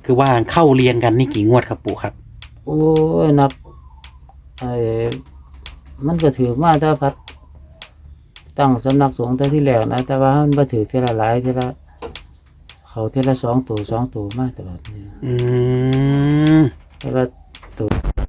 คือว่าเข้าเรียนกันนี่กี่งวดครับปู่ครับโอ้ยนับไอ้มันก็ถือมาถ้าพัดตั้งสำนักสงฆ์ตั้งที่แรกนะแต่ว่ามันบ่ถือเท่าละหลายเท่าละเขาเท่าละ2 ตัวมาตลอดนี่อืมเท่าละตัว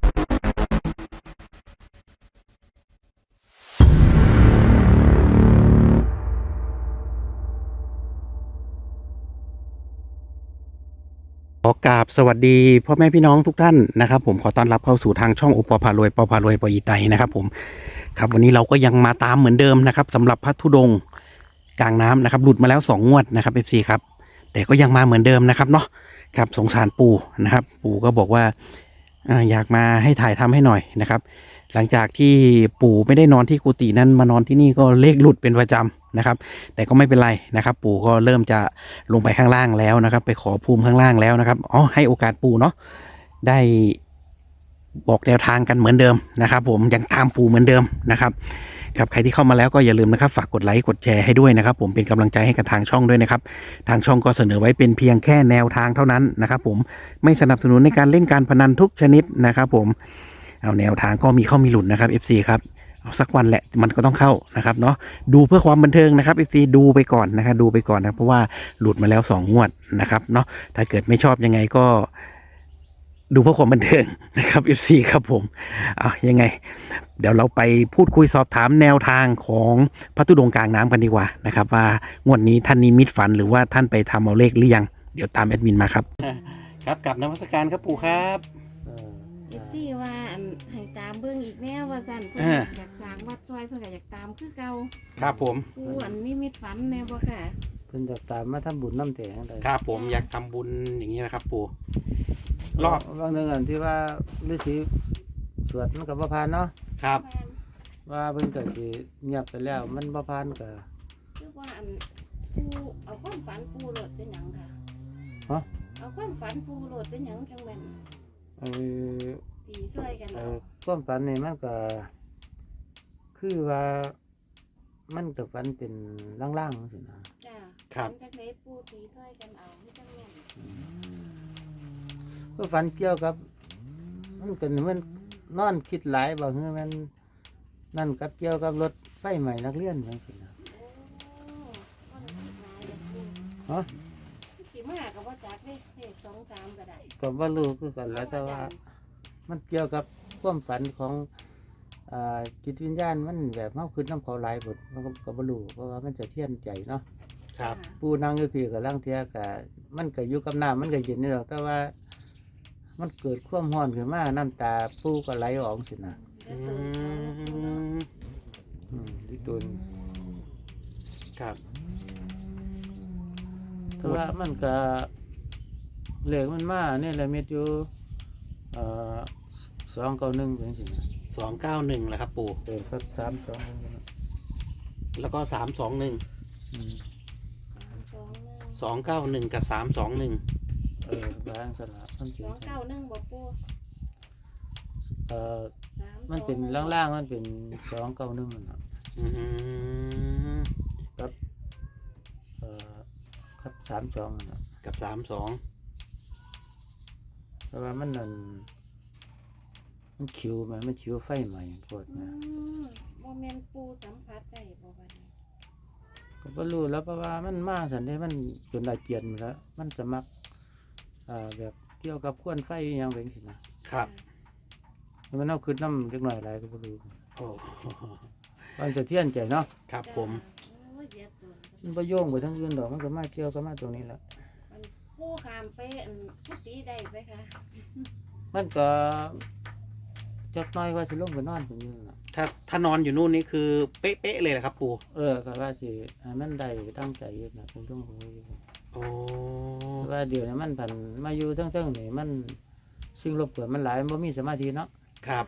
ขอกราบสวัสดีพ่อแม่พี่น้องทุกท่านนะครับผมขอต้อนรับเข้าสู่ทางช่องโอปอพารวยปอพารวยปออีไตนะครับผมครับวันนี้เราก็ยังมาตามเหมือนเดิมนะครับสำหรับพระธุดงค์กลางน้ำนะครับหลุดมาแล้ว2งวดนะครับ FC ครับแต่ก็ยังมาเหมือนเดิมนะครับเนาะครับสงสารปู่นะครับปู่ก็บอกว่าอยากมาให้ถ่ายทำให้หน่อยนะครับหลังจากที่ปู่ไม่ได้นอนที่กุฏินั้นมานอนที่นี่ก็เลขหลุดเป็นประจำนะครับแต่ก็ไม่เป็นไรนะครับปู่ก็เริ่มจะลงไปข้างล่างแล้วนะครับไปขอภูมิข้างล่างแล้วนะครับอ๋อให้โอกาสปู่เนาะได้บอกแนวทางกันเหมือนเดิมนะครับผมยังตามปู่เหมือนเดิมนะครับครับใครที่เข้ามาแล้วก็อย่าลืมนะครับฝากกดไลค์กดแชร์ให้ด้วยนะครับผมเป็นกำลังใจให้กับทางช่องด้วยนะครับทางช่องก็เสนอไว้เป็นเพียงแค่แนวทางเท่านั้นนะครับผมไม่สนับสนุนในการเล่นการพนันทุกชนิดนะครับผมเอาแนวทางก็มีเข้ามีหลุดนะครับ FC ครับเอาสักวันแหละมันก็ต้องเข้านะครับเนาะดูเพื่อความบันเทิงนะครับ FC ดูไปก่อนนะครับดูไปก่อนนะเพราะว่าหลุดมาแล้ว2งวดนะครับเนาะถ้าเกิดไม่ชอบยังไงก็ดูเพื่อความบันเทิงนะครับ FC ครับผมเอายังไงเดี๋ยวเราไปพูดคุยสอบถามแนวทางของพระธุดงค์กลางน้ำกันดีกว่านะครับว่างวดนี้ท่านนิมิตฝันหรือว่าท่านไปทำเอาเลขหรือยังเดี๋ยวตามแอดมินมาครับครับกับนมัสการครับปู่ครับเออเอฟซีว่าให้ตามเบิ่งอีกแน่ว่าสั่นเพิ่นอ่าอยากสร้างวัดซอยเพิ่นก็อยากตามคือเก่าครับผมผู้อันนี้มิตฝันแน่บ่ค่ะเพิ่นจะตามมาทำบุญน้ำแตงได้ครับผมอยากทำบุญอย่างนี้นะครับปู่รอบบางเรื่องอันที่ว่าฤาษีสวดมันก็บ่ผ่านเนาะครับว่าเพิ่นก็สิเงียบไปแล้วมันบ่ผ่านก็คือว่าอันผู้เอาความฝันผู้โหลดเป็นหยังค่ะฮะเอาความฝันผู้โหลดเป็นหยังจังแม่นเออตีช่วยกันเอาความฝันนี่มันก็คือว่ามันก็ฝันเป็นล่างๆจังซี่นะจ้าครับฝันจักไดผู้ตีช่วยกันเอาที่จังแม่นก็ฝันเกี่ยวกับมันก็มันนอนคิดหลายบ่คือมันนั่นกับเกี่ยวกับรถไฟใหม่นักเรียนจังซี่นะโอ้บ่ได้คิดหลายเด้อผู้ฮะสิมาก็บ่จักเด้เลข2 3ก็ได้ก็บ่รู้คือกันแหล้วแต่ว่า มันเกี่ยวกับความฝันของจิตวิญญาณมันแบบเฮาคิดนำเขาหลายบทมันก็บ่รู้เพราะว่ามันจะเทียนใจเนาะครับผู้นั่งอยู่พี่ก็ลังเทียก็มันก็อยู่กับน้ำมันก็เย็นนี่ดอกแต่ว่า มันเกิดความร้อนขึ้นมาน้ำตาปูก็ไหลออกสินะเด้อตัวเขาเนาะที่ตุนครับแต่ว่ามันก็เหล็กมันมาเนี่ยแหละเม็ดอยู่291เป็นสินะ 291แหละครับปู่สัก321 แล้วก็321 อืม 291กับ321 บางสละมันเป็น 291บ่ปู่มันเป็นล่างๆมันเป็น291นั่นน่ะอืมครับ32นั่นน่ะกับ32 แต่ว่ามันนั่นมันคิวไหมมันคิวไฟใหม่ปวดอืนะมบ่แม่นปูสัมผัสได้บ่บัดนี้ก็บ่รู้แล้วเพราะว่ามันมาสันได้มันจนได้เกียนหมดแล้วมันจะมักแบบเกี่ยวกับควนไฟอหยังเป็นสินะครับ มันเอาขึ้นน้ำเล็กน้อยอะไรก็บ่รู้โอ้มันจะเทียนใจเนาะครับผมโอ้ยเจ็บตัวมันบ่โยงไปทั้งอื่นดอกมันก็มาเกี่ยวกับมาตรงนี้แหละมันปูข้ามไปอันพุตีได้ไปค่ะมันก็จักหน้อยว่าสิลงไปนอนตรงนี้ล่ะถ้านอนอยู่นู่นนี่คือเป๊ะๆเลยแหละครับปู่ก็ว่าสิให้มันได้ตั้งใจอยู่นะเป็นช่วงของนี้โอ้ว่าเดี๋ยวนี้มันผันมาอยู่ทั้งๆนี่มันสิ่งรบกวนมันหลายมันบ่มีสมาธิเนาะครับ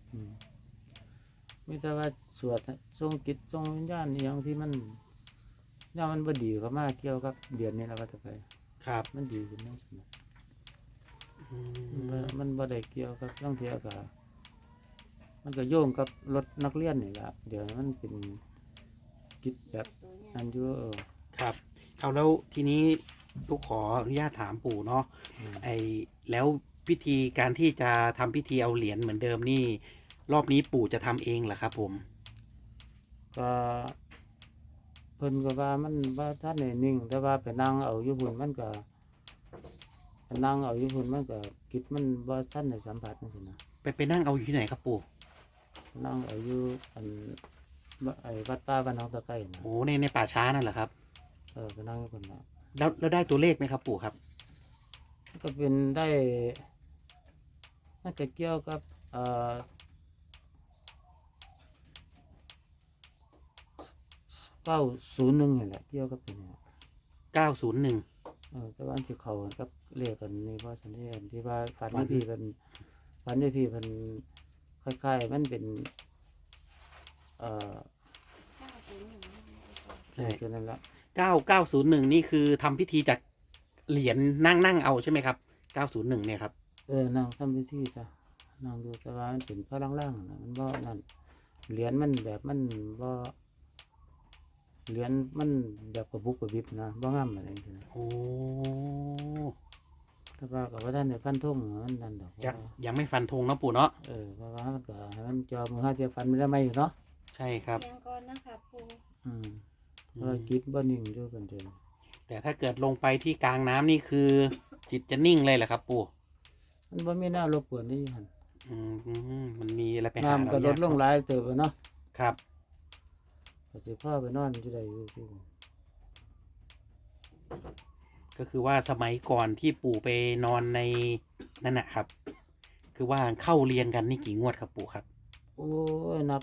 มีแต่ว่าสวดทรงจิตทรงวิญญาณอหย่างที่มันเนี่ยมันบ่ดีก็มาเกี่ยวกับเดือนนี้แล้วว่าจะไปครับมันดีขึ้นนั่นสินะอืมันบ่ได้เกี่ยวกับต้องเทียกับมันก็โยงกับรถนักเรียนนี่แหละเดี๋ยวมันเป็นกิจแบบตัวเนี่ยอันอยู่ครับเอาแล้วทีนี้ลูกขออนุญาตถามปู่เนาะอืมแล้วพิธีการที่จะทำพิธีเอาเหรียญเหมือนเดิมนี่ รอบนี้ปู่จะทำเองเหรอครับผมก็เพิ่นก็ว่ามันว่าท่านได้นิ่ง แต่ว่าไปนั่งเอาอยู่พุ่นมันก็ไปนั่งเอาอยู่พุ่นมันก็จิตมันบ่ทันได้สัมผัสจังซี่นะไปนั่งเอาอยู่ที่ไหนครับปู่นั่งเอาอยู่อันไอ้วัดป่าบ้านหนองตะไคร้นะโอ้ในป่าช้านั่นเหรอครับไปนั่งอยู่พุ่นน่ะแล้วได้ตัวเลขไหมครับปู่ครับมันก็เป็นได้มันก็เกี่ยวกับ901นี่แหละเกี่ยวกับตัวนี้ 901 แต่ว่าอันที่เขากับเลขกันนี่ว่าฉันเห็นที่ว่าฝันอยู่ที่เป็นฝันอยู่ที่เป็นคล้ายๆมันเป็นเอ่อใช่คือนั่นแหละ 901นี่คือทำพิธีจากเหรียญนั่งเอาใช่ไหมครับ901เนี่ยครับนั่งทำพิธีจ้ะนั่งดูแต่ว่ามันเป็นพระล่างๆนะมันบ่นั่นเหรียญมันแบบมันบ่เหรียญมันแบบกระบุกกระบิบนะบ่งามอะไรอย่างเงี้ยโอ้แต่ว่ากับว่าท่านในฟันทุ่งมันนั่นดอกยังไม่ฟันธงนะปู่เนาะเพราะว่ามันก็ให้มันจอมือห้าเทียฟันไม่ได้ไหมอยู่เนาะใช่ครับเพียงก่อนนะคะปูเพราะว่าจิตบ่นิ่งอยู่กันเดิมแต่ถ้าเกิดลงไปที่กลางน้ำนี่คือจิตจะนิ่งเลยเหรอครับปู่มันบ่มีหน้ารบกวนนี่หั่นมันมีอะไรไปหาน้ำก็ลดลงหลายเติบอะเนาะครับก็สิพาไปนอนอยู่ได้อยู่ที่ก็คือว่าสมัยก่อนที่ปู่ไปนอนในนั่นนะครับ คือว่าเข้าเรียนกันนี่กี่งวดครับปู่ครับโอ้ยนับ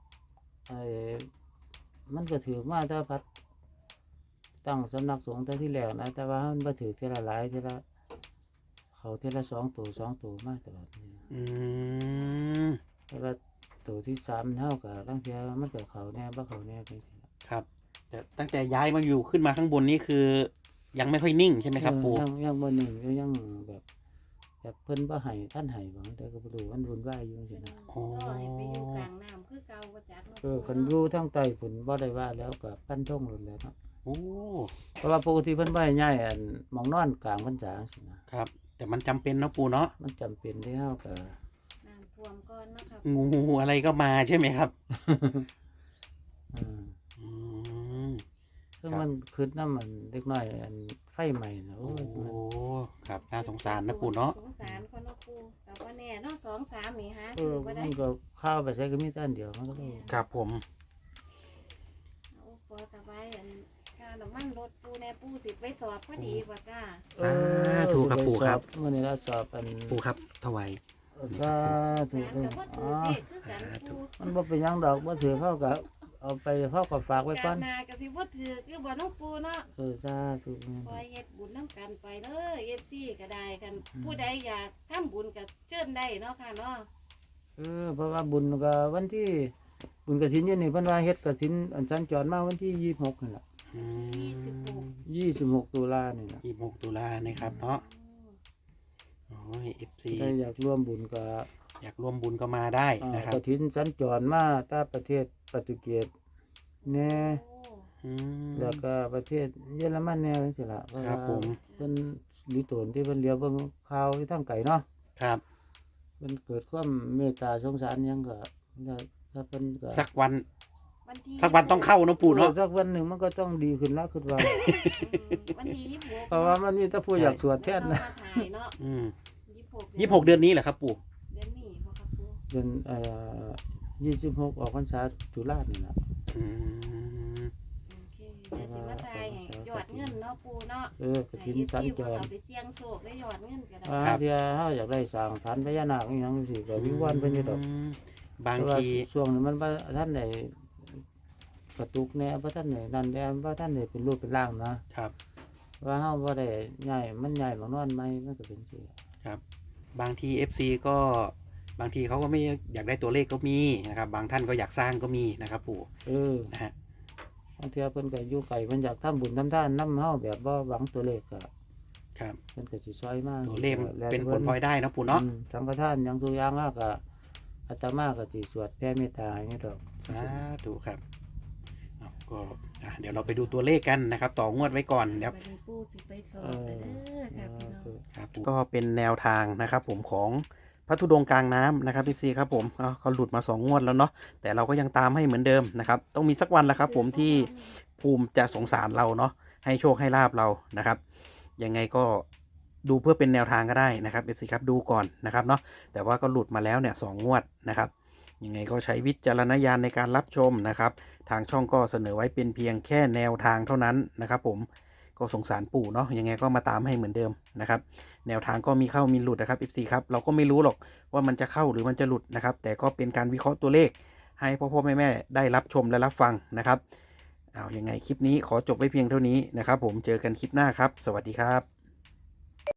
มันก็ถือมาถ้าพัดตั้งสำนักสงฆ์แต่ที่แรกนะแต่ว่ามันบ่ถือเท่าละหลายเท่าละเขาเท่าละ2 ตัวมาตลอดนี่อืมแต่ว่าตัวที่3เท่ากับตั้งเทียมันก็เขาแน่บ่เขาแน่ไปสิล่ะครับ แต่ตั้งแต่ย้ายมาอยู่ขึ้นมาข้างบนนี่คือ ยังไม่ค่อยนิ่งใช่ไหมครับปู่ยังบ่นิ่งอยู่ยังแบบเพิ่นบ่ให้ท่านให้บ่แต่ก็บ่รู้มันวุ่นวายอยู่จังซี่นะโอ้ก็ให้ไปอยู่กลางน้ำคือเก่าก็จักเนาะคันอยู่ทางใต้พุ่นบ่ได้ว่าแล้วก็ปั้นท่งหลุดแล้วเนาะโอ้เพราะว่าปกติเพิ่นบ่ให้ย้ายอันหมองนอนกลางพรรษาจังซี่นะครับแต่มันจำเป็นเนาะปู่เนาะมันจำเป็นที่เฮาก็น้ำท่วมก่อนนะคะงูอะไรก็มาใช่ไหมครับอืมอืมซึ่งครับมันคิดนำมันเด็กน้อยอันไฟใหม่นะโอ้โอ้ยครับน่าสงสารนะปู่เนาะสงสารคนเนาะปูแต่ว่าแน่เนาะ2-3นี่ฮะมันก็เข้าไปใช้ก็มีแต่อันเดียวมันก็เลยครับผมเอาพอสบายอันค่าน้ำมันรถปูแน่ปูสิไปสอบพอดีบ่จ้าสาธุครับปู่ครับมื้อนี้เราสอบอันปู่ครับถวายสาธุสารกับว่าถือเด็กคือกันปูมันบ่เป็นหยังดอกบ่ถือเข้าก็เอาไปเข้าก็ฝากไว้ก่กาอนรนาก็สิบ่ถือคือบ่น้องปูเนาะสาธุคอยเฮ็ดบุญน้ำกันไปเด้อ FC ก็ได้กัน ผู้ใดอยากทำบุญก็เชิญได้เนาะค่ะเนาะเพราะว่าบุญก็วันที่บุญกฐินอยู่นี่เพิ่นว่าเฮ็ดกฐินอันสัญจรมาวันที่26นี่ล่ะอืม 26ตุลานี่ล่ะ 26 ตุลานะครับเนาะโอ้ย FC ถ้าอยากร่วมบุญก็อยากร่วมบุญก็มาได้นะครับกฐินสัญจรมาตาประเทศโปรตุเกสแน่โอ้อืมแล้วก็ประเทศเยอรมันแน่จังซี่ล่ะเพราะครัว่าบผมเพิ่นลิโตนที่เพิ่นเลี้ยวเบิ่งข่าวที่ทางไกลเนาะครับมันเกิดความเมตตาสงสารหยังก็ถ้าเพิ่นก็สักวันวันที่สักวันต้องเข้าเนอะปู่เนาะสักวันหนึ่งมันก็ต้องดีขึ้นแล้วคือว่าวันที่26 เพราะว่ามันมีแต่ผู้อยากสวดแทนนะเรามาถ่ายเนาะอืม 26 26 เดือนนี้เหรอครับปู่เดือนนี้บ่ครับปูเดือน26ออกพรรษาตุลานี่ล่ะอืมโอเคเดี๋ยวสิมาถ่ายให้ยอดเงินเนาะปูเนาะกฐินสัญจรเอาไปเสี่ยงโชคได้ยอดเงินก็ได้เที่ยเฮาอยากได้สร้างฐานพญานาคอีหยังจังซี่ก็วิงวอนเพิ่นอยู่ดอกบางแต่ว่าทีช่วงนี้มันบ่ทันได้กระตุกแน่บ่ทันได้นั่นแน่บ่ทันได้เป็นรูปเป็นร่างนะครับ ว่าเฮาบ่ได้ย้ายมันย้ายมานอนใหม่มันก็เป็นจังซี่ครับ บางที FC ก็บางทีเขาก็ไม่อยากได้ตัวเลขก็มีนะครับ บางท่านก็อยากสร้างก็มีนะครับปู่นะฮะบางเทื่อเพิ่นก็อยู่ไกลเพิ่นอยากทำบุญทำทานนำเฮาแบบบ่หวังตัวเลขก็ครับเพิ่นก็สิซอยมาตัวเลขเป็นผลพลอยได้นะปู่เนาะสังฆทานหยังทุกอย่างเราก็อาตมาก็สิสวดแผ่เมตตาให้ดอกสาธุครับอ้าวก็เดี๋ยวเราไปดูตัวเลขกันนะครับ ต่องวดไว้ก่อนเดี๋ยวบัดนี้ปูสิไปสอบแล้วเด้อค่ะพี่น้องครับก็เป็นแนวทางนะครับผมของพระธุดงค์กลางน้ำนะครับพี่ซีครับผมเขาหลุดมา2 งวดแล้วเนาะแต่เราก็ยังตามให้เหมือนเดิมนะครับต้องมีสักวันแหละครับผมที่ภูมิจะสงสารเราเนาะให้โชคให้ลาบเรานะครับยังไงก็ดูเพื่อเป็นแนวทางก็ได้นะครับพี่ซีครับดูก่อนนะครับเนาะแต่ว่าก็หลุดมาแล้วเนี่ย2 งวดนะครับยังไงก็ใช้วิจารณญาณในการรับชมนะครับทางช่องก็เสนอไว้เป็นเพียงแค่แนวทางเท่านั้นนะครับผมก็สงสารปู่เนาะยังไงก็มาตามให้เหมือนเดิมนะครับแนวทางก็มีเข้ามีหลุดนะครับ FC ครับเราก็ไม่รู้หรอกว่ามันจะเข้าหรือมันจะหลุดนะครับแต่ก็เป็นการวิเคราะห์ตัวเลขให้พ่อแม่ได้รับชมและรับฟังนะครับเอายังไงคลิปนี้ขอจบไว้เพียงเท่านี้นะครับผมเจอกันคลิปหน้าครับสวัสดีครับ